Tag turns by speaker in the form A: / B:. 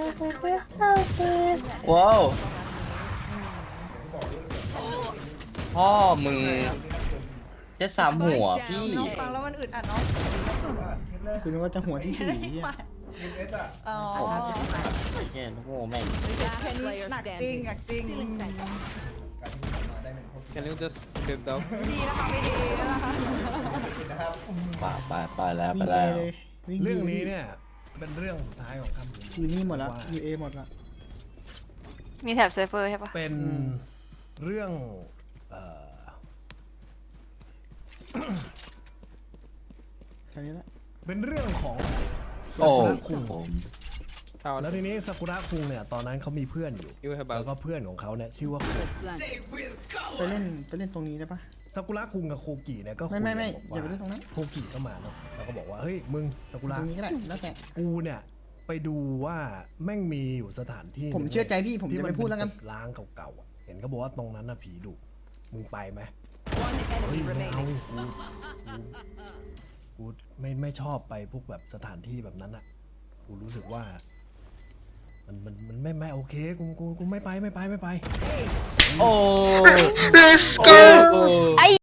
A: ว้าวพ่อมึงจะสามหัวพี่
B: น้องฟังแล้วมันอึดอัดเนาะ
C: คุณนึกว่าจะหัวที่สี่อ่ะ
B: อ๋อ
A: แค่โง่แม่ง
B: แค่นี้หนักจริงหนักจริง
D: Can you just skip down
B: ดีนะคะไม่ดีนะคะ
A: ไปแล้ว
C: วิ่
A: ไป
C: งเอ
A: แล้ว
C: เลยวิ่ง
E: เรื่อง
C: ดี
E: นี้เนี่ยเป็นเรื่องสุดท้ายของคำพูด
C: อยู่นี่หมดละอยู่เอหมดละ
F: มีแถบไซเฟอร์ใช่ปะ
E: เป็นเรื่อง
C: แค่นี้ละ
E: เป็นเรื่องของซา
A: โอ้
E: กุระคุง
A: ผม
D: How
E: แล้วทีนี้ซากุระคุงเนี่ยตอนนั้นเขามีเพื่อนอยู่
D: you have
E: แล้วก็
D: about
E: เพื่อนของเขาเนี่ยชื่อว่าโค
C: ไปเล่นตรงนี้ได้ปะ
E: ซากุระคุงกับโคกิเนี่ยก็คุย
C: ไม่
E: กัน
C: อย่าไปเล่นตรงนั้น
E: โคกิก็มาเนาะแล้วก็บอกว่าเฮ้ยมึงซากุระ
C: ตรงนี้ก็ได้แล้วแต่
E: กูเนี่ยไปดูว่าแม่งมีอยู่สถานที่
C: ผมเชื่อใจพี่ผมจะไม่พูดแล้วกัน
E: ที่มัเป็ล้างเก่าๆอ่ะเห็นเขาบอกว่าตรงนั้นน่ะผีดุมึงไปไหมเฮ้ยไม่เอากูไม่ชอบไปพวกแบบสถานที่แบบนั้นอ่ะกูรู้สึกว่ามันไม่โอเคกูไม่ไป
A: โอ้
C: Let's go